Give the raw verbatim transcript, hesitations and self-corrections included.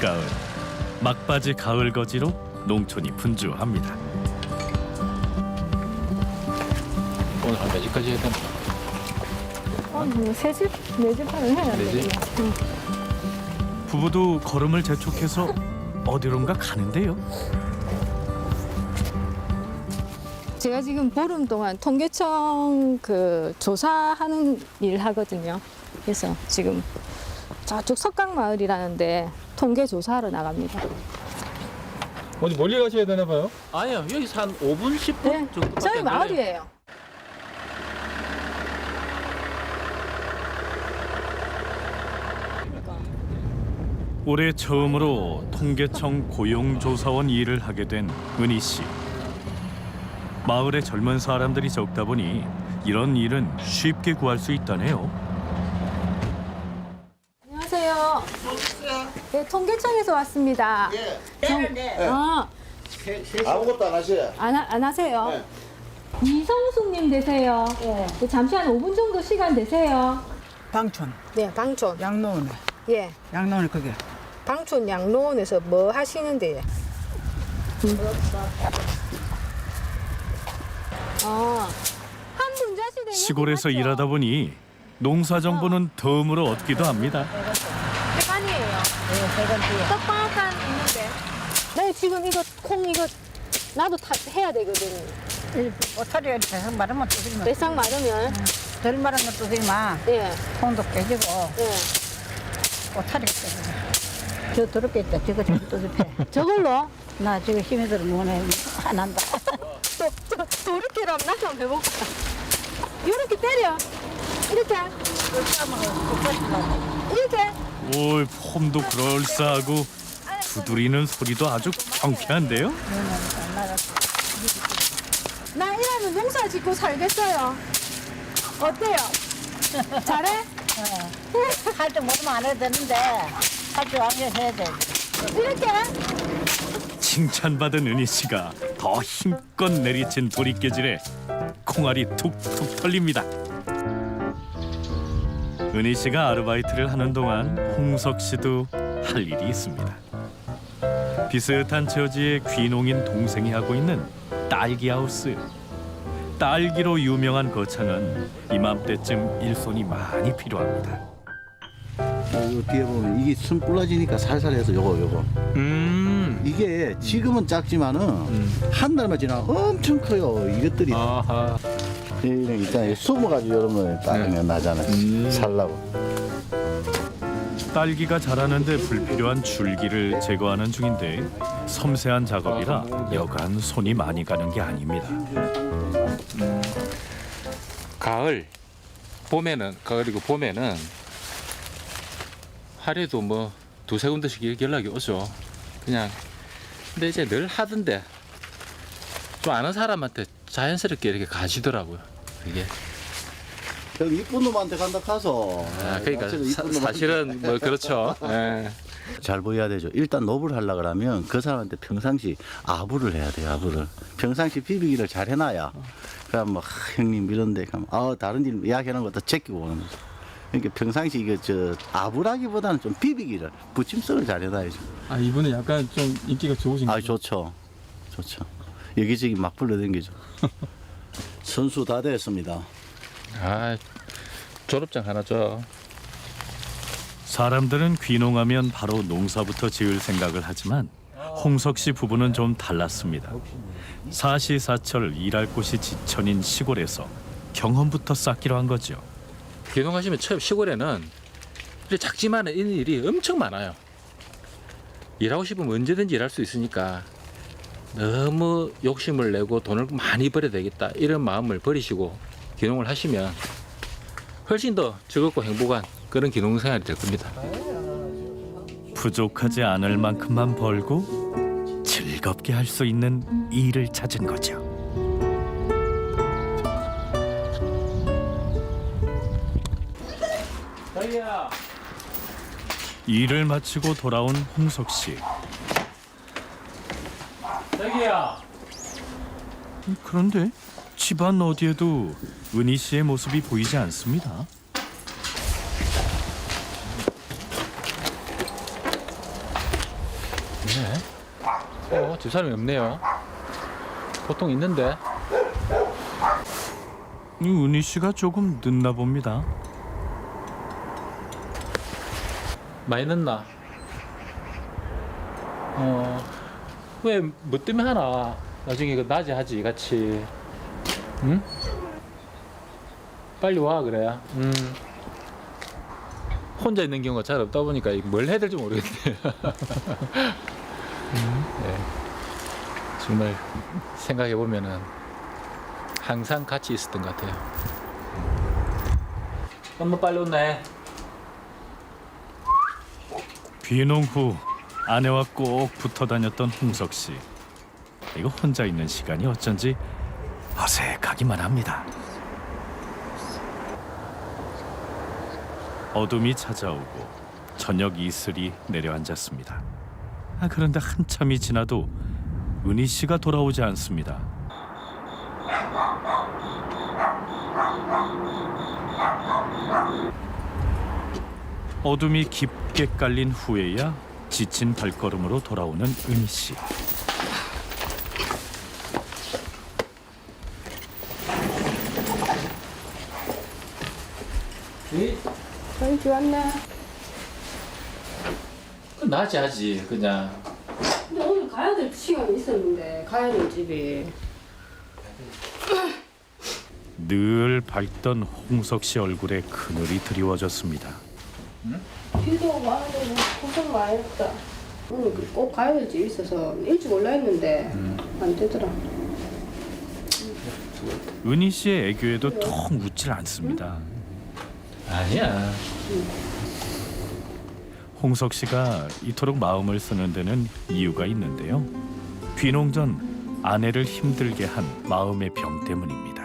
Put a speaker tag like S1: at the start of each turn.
S1: 늦가을 막바지 가을 거지로 농촌이 분주합니다.
S2: 오늘 한 몇 시까지 해야 되나?
S3: 어, 뭐세 집, 네 집 하면 해야
S2: 네 집?
S3: 되겠네. 응.
S1: 부부도 걸음을 재촉해서 어디론가 가는데요.
S3: 제가 지금 보름 동안 통계청 그 조사하는 일 하거든요. 그래서 지금 저쪽 석강마을이라는데 통계 조사하러 나갑니다.
S4: 어디 멀리 가셔야 되나 봐요?
S2: 아니요, 여기서 한 오 분, 십 분
S3: 네,
S2: 정도밖에
S3: 저희
S2: 안 걸려요.
S3: 마을이에요.
S1: 올해 처음으로 통계청 고용조사원 일을 하게 된 은희 씨. 마을에 젊은 사람들이 적다 보니 이런 일은 쉽게 구할 수 있다네요.
S3: 안녕하세요. 네, 통계청에서 왔습니다.
S5: 예.
S3: 정-
S5: 네.
S3: 아,
S5: 아무것도 안 하셔요.
S3: 안, 하- 안 하세요?
S5: 네.
S3: 이성숙님 되세요. 네. 잠시 한 오 분 정도 시간 되세요.
S6: 방촌,
S3: 네, 방촌.
S6: 양로원에,
S3: 예.
S6: 양로원에 그게.
S3: 방촌 양로원에서 뭐 하시는데요? 아, 한 분자시대
S1: 시골에서 일하다 보니 농사 정보는 덤으로 얻기도 합니다.
S3: 대간이에요. 네, 대간이요. 떡방앗간 있는데. 네, 지금 이거 콩 이거 나도 다 해야 되거든요.
S6: 오타리가 대상 마르면 또 그러면
S3: 매상 마르면.
S6: 덜 마른 것도 그러면
S3: 예,
S6: 콩도 깨지고
S3: 예.
S6: 오타리가 깨지고. 저 더럽게 있다. 저거 좀 또집해.
S3: 저걸로
S6: 나 지금 힘이 들어 뭐네 안 한다.
S3: 또, 또, 또 이렇게 하면 나도 한번 해볼까? 이렇게 때려. 이렇게. 이렇게.
S1: 올 폼도 그럴싸하고 두드리는 소리도 아주 경쾌한데요.
S3: 나 이러면 농사 짓고 살겠어요. 어때요? 잘해?
S6: 할 줄 모르면 안 해도 되는데 할 줄 알면 해야 돼.
S3: 이렇게?
S1: 칭찬받은 은희 씨가 더 힘껏 내리친 보릿개질에 콩알이 툭툭 털립니다. 은희 씨가 아르바이트를 하는 동안 홍석 씨도 할 일이 있습니다. 비슷한 처지의 귀농인 동생이 하고 있는 딸기 하우스. 딸기로 유명한 거창은 이맘때쯤 일손이 많이 필요합니다.
S5: 이거 뒤에 보면 이게 순 불러지니까 살살해서 요거 요거.
S2: 음.
S5: 이게 지금은 작지만은
S2: 음.
S5: 한 달만 지나면 엄청 커요. 이것들이
S2: 아하.
S5: 이런 게 있잖아요. 숨어가지고 이런 거 따르면 나잖아요.
S2: 음.
S5: 살라고.
S1: 딸기가 자라는데 불필요한 줄기를 제거하는 중인데 섬세한 작업이라 여간 손이 많이 가는 게 아닙니다.
S2: 가을, 봄에는 가을이고 봄에는 하루에도 뭐 두세 군데씩 이렇게 연락이 오죠. 그냥 근데 이제 늘 하던데 좀 아는 사람한테 자연스럽게 이렇게 가시더라고요. 이게
S5: 저기 이쁜 놈한테 간다 가서.
S2: 아, 그러니까
S5: 사실은
S2: 사,
S5: 이쁜 놈한테
S2: 사실은 뭐 그렇죠. 예.
S5: 잘 보여야 되죠. 일단 노브를 하려 그러면 그 사람한테 평상시 아부를 해야 돼요. 아부를. 평상시 비비기를 잘 해놔야. 그럼 뭐 아, 형님 이런데 가면 아 다른 일 이야기하는 것도 제끼고 오는 거죠. 그러니까 평상시 이거 저 아부라기보다는 좀 비비기를 붙임성을 잘 해놔야죠.
S4: 아 이분은 약간 좀 인기가 좋으신
S5: 아
S4: 거죠?
S5: 좋죠. 좋죠. 여기저기 막 불러댕기죠. 선수 다 됐습니다.
S2: 아, 졸업장 하나 줘.
S1: 사람들은 귀농하면 바로 농사부터 지을 생각을 하지만 홍석 씨 부부는 좀 달랐습니다. 사시사철 일할 곳이 지천인 시골에서 경험부터 쌓기로 한 거죠.
S2: 귀농하시면 처음 시골에는 이렇게 작지만 이런 일이 엄청 많아요. 일하고 싶으면 언제든지 일할 수 있으니까 너무 욕심을 내고 돈을 많이 벌어야 되겠다 이런 마음을 버리시고 귀농을 하시면 훨씬 더 즐겁고 행복한 그런 귀농 생활이 될 겁니다.
S1: 부족하지 않을 만큼만 벌고 즐겁게 할 수 있는 일을 찾은 거죠. 일을 마치고 돌아온 홍석 씨.
S2: 자기야.
S1: 그런데 집안 어디에도 은희 씨의 모습이 보이지 않습니다.
S2: 네. 어, 집사람이 없네요. 보통 있는데.
S1: 이 은희 씨가 조금 늦나 봅니다.
S2: 많이 늦나? 어, 왜, 뭐 때문에 하나? 나중에 그 낮에 하지, 같이. 응? 빨리 와, 그래. 음. 혼자 있는 경우가 잘 없다 보니까 뭘 해야 될지 모르겠네. 음, 네. 정말 생각해보면은 항상 같이 있었던 것 같아요. 엄마 빨리 온네.
S1: 귀농 후 아내와 꼭 붙어 다녔던 홍석 씨. 이거 혼자 있는 시간이 어쩐지 어색하기만 합니다. 어둠이 찾아오고 저녁 이슬이 내려앉았습니다. 아, 그런데 한참이 지나도 은희 씨가 돌아오지 않습니다. 어둠이 깊게 깔린 후에야 지친 발걸음으로 돌아오는 은희 씨.
S2: 네?
S3: 저희 왔네.
S2: 낮에 하지, 그냥.
S3: 근데 오늘 가야 될 시간이 있었는데 가야 될 집이.
S1: 늘 밝던 홍석 씨 얼굴에 그늘이 드리워졌습니다.
S3: 비도 와야 되고 고생 많이 했다. 오늘 꼭 가야 될 집이 있어서 일찍 올라 했는데 안 되더라.
S1: 은희 씨의 애교에도 통 웃질 않습니다.
S2: 아니야.
S1: 홍석 씨가 이토록 마음을 쓰는 데는 이유가 있는데요. 귀농 전 아내를 힘들게 한 마음의 병 때문입니다.